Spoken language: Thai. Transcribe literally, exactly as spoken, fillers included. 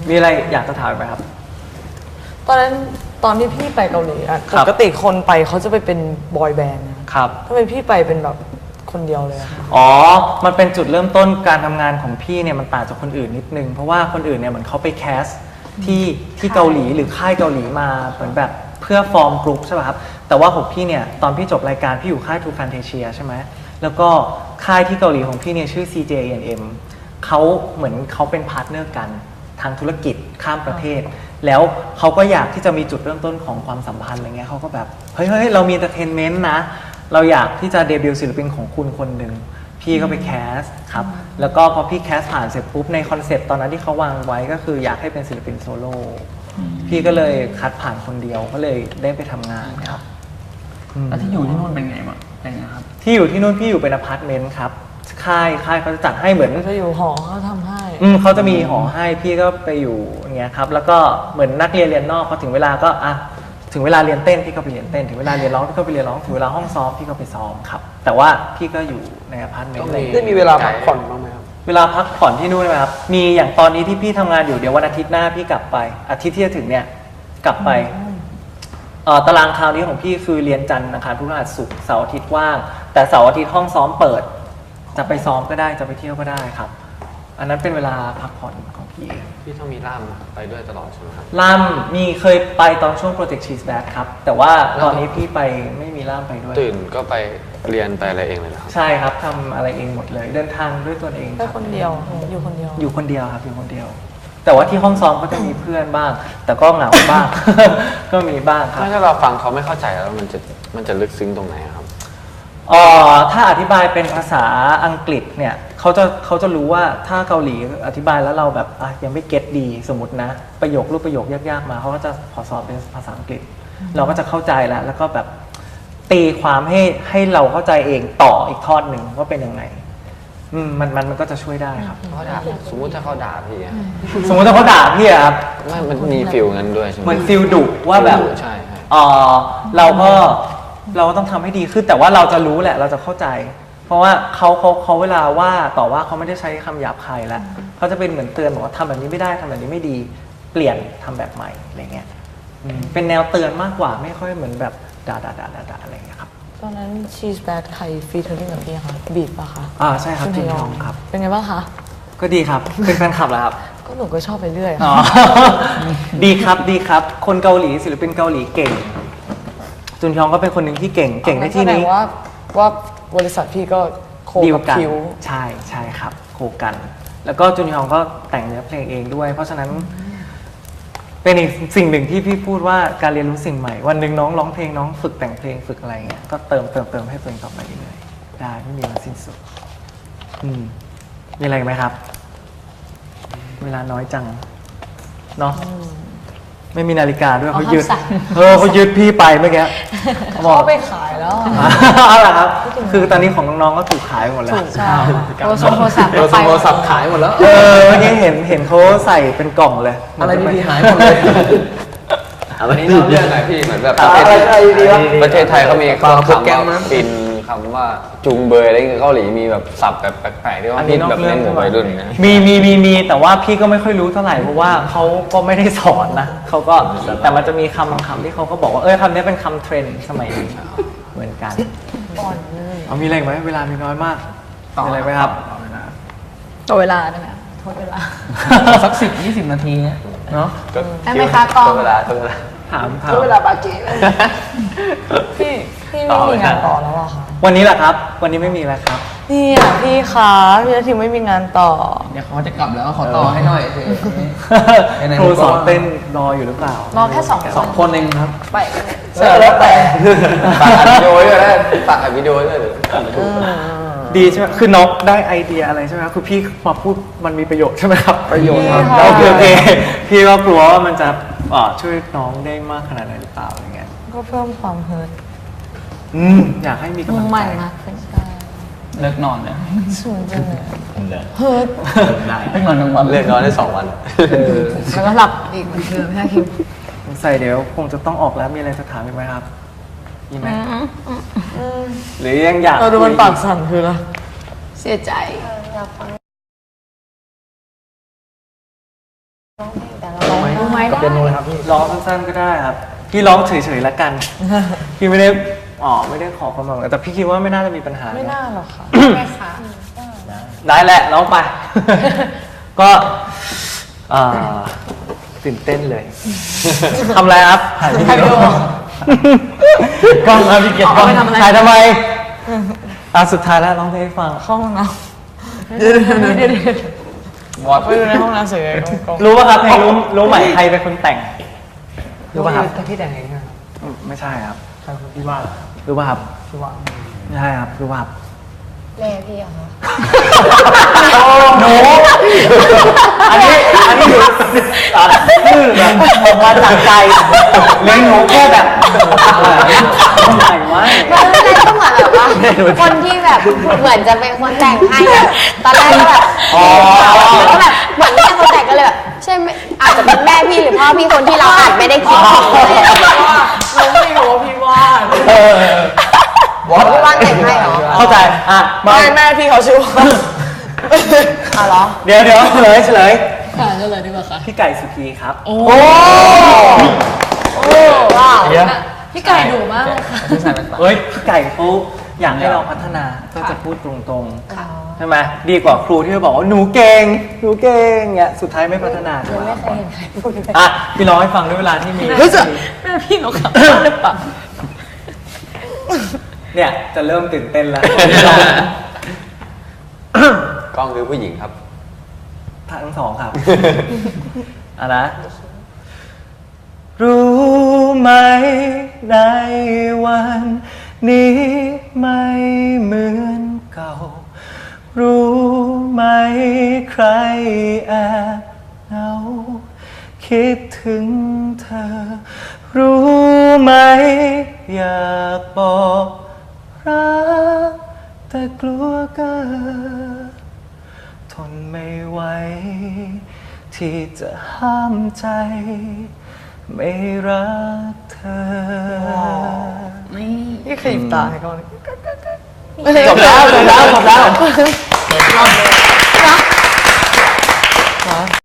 มีอะไรอยากจะถามไหมครับตอนนั้นตอนที่พี่ไปเกาหลีอะปกติคนไปเขาจะไปเป็นบอยแบนด์นะครับทำไมพี่ไปเป็นแบบคนเดียวเลยอะอ๋อมันเป็นจุดเริ่มต้นการทำงานของพี่เนี่ยมันต่างจากคนอื่นนิดนึงเพราะว่าคนอื่นเนี่ยเหมือนเขาไปแคสที่ที่เกาหลีหรือค่ายเกาหลีมาเหมือนแบบเพื่อฟอร์มกรุ๊ปใช่ป่ะครับแต่ว่าของพี่เนี่ยตอนพี่จบรายการพี่อยู่ค่าย True Fantasia ใช่ไหมแล้วก็ค่ายที่เกาหลีของพี่เนี่ยชื่อ ซี เจ เอ็น เอ็ม เขาเหมือนเขาเป็นพาร์ทเนอร์กันทางธุรกิจข้ามประเทศแล้วเขาก็อยากที่จะมีจุดเริ่มต้นของความสัมพันธ์อะไรเงี้ยเขาก็แบบเฮ้ยเฮ้ยเรามีเอนเตอร์เทนเมนต์นะเราอยากที่จะเดบิวต์ศิลปินของคุณคนหนึ่งพี่ก็ไปแคสครับแล้วก็พอพี่แคสผ่านเสร็จปุ๊บในคอนเซปต์ตอนนั้นที่เขาวางไว้ก็คืออยากให้เป็นศิลปินโซโล่พี่ก็เลยคัดผ่านคนเดียวก็เลยได้ไปทำงานครับแล้วที่อยู่ที่นู่นเป็นไงบ้างเป็นไงครับที่อยู่ที่นู่นพี่อยู่เป็นอพาร์ตเมนต์ครับค่ายค่ายเขาจะจัดให้เหมือนจะอยู่หอเขาทำให้อืมเขาจะมีหอให้พี่ก็ไปอยู่อย่างเงี้ยครับแล้วก็เหมือนนักเรียนเรียนนอกพอถึงเวลาก็อ่ะถึงเวลาเรียนเต้นพี่ก็ไปเรียนเต้นถึงเวลาเรียนร้องพี่ก็ไปเรียนร้องถึงเวลาห้องซ้อมพี่ก็ไปซ้อมครับแต่ว่าพี่ก็อยู่ในอพาร์ตเมนต์เลยได้มีเวลาพักผ่อนบ้างไหมครับเวลาพักผ่อนที่นู่นไหมครับมีอย่างตอนนี้ที่พี่ทำงานอยู่เดี๋ยววันอาทิตย์หน้าพี่กลับไปอาทิตย์ที่จะถึงเนี่ยกลับไปเอ่อตารางคราวนี้ของพี่คือเรียนจันทร์อังคารพฤหัสศุกร์เสาร์อาทิตย์ว่างแต่เสาร์อาทิตย์ห้องซ้อมเปิดจะไปซ้อมก็ได้จะไปเที่ยวก็ได้ครับอันนั้นเป็นเวลาพักผ่อนของพี่เองพี่ต้องมีล่ามไปด้วยตลอดใช่ไหมครับล่ามมีเคยไปตอนช่วงโปรเจกต์ชีสแบ็คครับแต่ว่าตอนนี้พี่ไปไม่มีล่ามไปด้วยตื่นก็ไปเรียนไปอะไรเองเลยครับใช่ครับทำอะไรเองหมดเลยเดินทางด้วยตัวเองแค่คนเดียวอยู่คนเดียวอยู่คนเดียวครับอยู่คนเดียวแต่ว่าที่ห้องซ้อมก็จะมีเพื่อนบ้างแต่ก็เหงาบ้าง ก็มีบ้างครับถ้าเราฟังเขาไม่เข้าใจแล้วมันจะมันจะลึกซึ้งตรงไหนครับอ๋อถ้าอธิบายเป็นภาษาอังกฤษเนี่ยเขาจะเขาจะรู้ว่าถ้าเกาหลีอธิบายแล้วเราแบบอ่ะยังไม่เก็ตดีสมมตินะประโยครูปประโยคยากๆมาเขาก็จะขอสอนเป็นภาษาอังกฤษเราก็จะเข้าใจแล้วแล้วก็แบบตีความให้ให้เราเข้าใจเองต่ออีกทอดหนึ่งว่าเป็นยังไงอืมมันมันมันก็จะช่วยได้ครับเขาด่าสมมุติถ้าเขาด่าพี่สมมติถ้าเขาด่าพี่ครับไม่มันมีฟิลงั้นด้วยใช่ไหมมันฟิลดุว่าแบบใช่เออเราก็เราก็ต้องทำให้ดีขึ้นแต่ว่าเราจะรู้แหละเราจะเข้าใจเพราะว่าเขาเขาเขาเวลาว่าต่อว่าเขาไม่ได้ใช้คำหยาบคายแล้วเขาจะเป็นเหมือนเตือนบอกว่าทำแบบนี้ไม่ได้ทำแบบนี้ไม่ดีเปลี่ยนทำแบบใหม่อะไรเงี้ยเป็นแนวเตือนมากกว่าไม่ค่อยเหมือนแบบด่าด่าด่าด่าอะไรเงี้ยครับตอนนั้นชีสแบทใครฟีเทอร์ริ่งกับพี่คะบีบปะคะอ่าใช่ครับจินยองครับเป็นไงบ้างคะก็ดีครับเป็นแฟนคลับแล้วครับก็หนูก็ชอบไปเรื่อยดีครับดีครับคนเกาหลีศิลปินเกาหลีเก่งจุนยองก็เป็นคนหนึ่งที่เก่งเก่งในที่นี้ว่าว่าบริษัทพี่ก็โคกับคิวใช่ใช่ครับโคกันแล้วก็จุนยองก็แต่งเนื้อเพลงเองด้วยเพราะฉะนั้นเป็นอีกสิ่งหนึ่งที่พี่พูดว่าการเรียนรู้สิ่งใหม่วันหนึ่งน้องร้องเพลงน้องฝึกแต่งเพลงฝึกอะไรเงี้ยก็เติมเติมเติมให้ตัวเองต่อไปเรื่อยๆได้ไม่มีวันสิ้นสุดอืมมีอะไรไหมครับเวลาน้อยจังเนาะไม่มีนาฬิกาด้วยเขายึดเออเขายึดพี่ไปเมื่อกี้เขาไปขายแล้วเอาล่ะครับคือตอนนี้ของน้องๆก็ถูกขายหมดแล้วใช่โทรศัพท์โทรศัพท์ขายหมดแล้วเออเมื่อกี้เห็นเห็นเขาใส่เป็นกล่องเลยอะไรดีๆหายหมดเลยวันนี้เราเรื่องอะไรพี่เหมือนแบบประเทศไทยประเทศไทยเขามีคำว่าฟินคำว่าจุงเบยอะไรเกาหลีมีแบบศัพท์แบบแปลกๆที่ว่าพี่แบบเล่นหมู่วัยรุ่นนะมีมีมีมีแต่ว่าพี่ก็ไม่ค่อยรู้เท่าไหร่เพราะว่าเขาก็ไม่ได้สอนนะเขาก็แต่มันจะมีคำบางคำที่เขาก็บอกว่าเออคำนี้เป็นคำเทรนด์สมัยนี้เหมือนกันเอามีอะไรไหมเวลามีน้อยมากมีอะไรไหมครับต่อเวลาได้ไหมทดเวลาสักสิบยี่สิบนาทีเนาะได้ไหมคะกล้องเวลาเวลาถามถามเวลาบาเกพี่พี่ไม่มีงานต่อแล้วหรอคะวันนี้แหละครับวันนี้ไม่มีแล้วครับนี่อ่ะพี่คะพี่ทิวไม่มีงานต่อเดี๋ยวเขาจะกลับแล้วขอต่อให้หน่อยครูสอนเต้นรออยู่หรือเปล่ารอแค่สองสองคนเองครับไปเสร็จแล้วแต่ตัดวิดีโอด้วยนะตัดวิดีโอด้วยดีใช่ไหมคือน้องได้ไอเดียอะไรใช่ไหมครับคือพี่มาพูดมันมีประโยชน์ใช่ไหมครับประโยชน์ครับโอเคโอเคพี่ก็กลัวว่ามันจะช่วยน้องได้มากขนาดไหนหรือเปล่าอะไรเงี้ยก็เพิ่มความเฮิร์ตอืมอยากให้มีกำลังใจมากขึ้นเลิกนอนเลยสูงจังเลยเฮิร์ตได้เลิกนอนทั้งวันเลิกนอนได้สองวันแล้วก็หลับอีกเหมือนเดิมใช่คิวใส่เดี๋ยวคงจะต้องออกแล้วมีอะไรจะถามอีกไหมครับมีไหมหรือยังอยากเราดูมันปากสั่นคืออะไรเสียใจแต่เราร้องรู้ไหมกับได้เปียโนเลยครับพี่ร้องสั้นๆก็ได้ครับ พี่ร้องเฉยๆแล้วกัน พี่ไม่ได้อ๋อไม่ได้ขอความหวังแต่พี่คิดว่าไม่น่าจะมีปัญหาไม่น่าหรอกค่ะไหมคะได้แหละร้องไป ก็อ่าตื่นเต้นเลยทำอะไรครับถ่ายวิดีโอกล้องครับพี่เกียรติกล้องเอาไปทำอะไรถ่ายทำไมอ่ะสุดท้ายแล้วร้องเพลงให้ฟังเข้าห้องน้ำเดี๋ยวเดี๋ยวเดี๋ยวเดี๋ยววอดไปดูในห้องน้ำเฉยๆกองรู้ป่ะครับเพลงรู้รู้ไหมใครเป็นคนแต่งรู้ป่ะครับพี่แต่งเองครับอืมไม่ใช่ครับใครคนที่ว่ารู้ป่ะครับที่ว่าไม่ใช่ครับรู้ป่ะครับแม่พี่เหรอคะหนูอันนี้อันนี้อยู่ชื่อแบบออกมาจากใจเลี้ยงหนูแค่แบบทำไมวะตอนแรกก็เหมือนแบบว่าคนที่แบบเหมือนจะเป็นคนแต่งให้อะตอนแรกก็แบบแล้วก็แบบเหมือนไม่ใช่คนแต่งก็เลยแบบใช่ไหมอาจจะเป็นแม่พี่หรือพ่อพี่คนที่เราอาจไม่ได้คิดถึงเลยเราไม่รู้ว่าพี่วาดเออพี่ว่านแต่งให้เหรอเข้าใจอ่ะมาไม่แม่พี่เขาชื่อว่าอ่ะเหรอเดี๋ยวเดี๋ยวเฉลยเฉลยค่ะก็เลยดีกว่าค่ะพี่ไก่สุธีครับโอ้โอ้ว้าวเดี๋ยวพี่ไก่ดุมากเลยค่ะพี่ชายเป็นฝาเฮ้ยพี่ไก่เขาอยากให้เราพัฒนาก็จะพูดตรงๆใช่ไหมดีกว่าครูที่บอกว่าหนูเก่งหนูเก่งเงี้ยสุดท้ายไม่พัฒนาเลยไม่เคยเห็นใครพูดแบบอ่ะพี่ร้องให้ฟังด้วยเวลาที่มีเฮ้ยจะแม่พี่หนูขับหรือเปล่าเนี่ยจะเริ่มตื่นเต้นแล้วกล้องคือผู้หญิงครับทั้งสองครับ อ่ะนะ รู้ไหมในวันนี้ไม่เหมือนเก่า รู้ไหมใครแอบเหงาคิดถึงเธอ รู้ไหมอยากบอกรักแต่กลัวเกินทนไม่ไหวที่จะห้ามใจ ไม่รักเธอนี่ขยิบตาให้เขาเลยจบแล้วจบแล้วจบแล้ว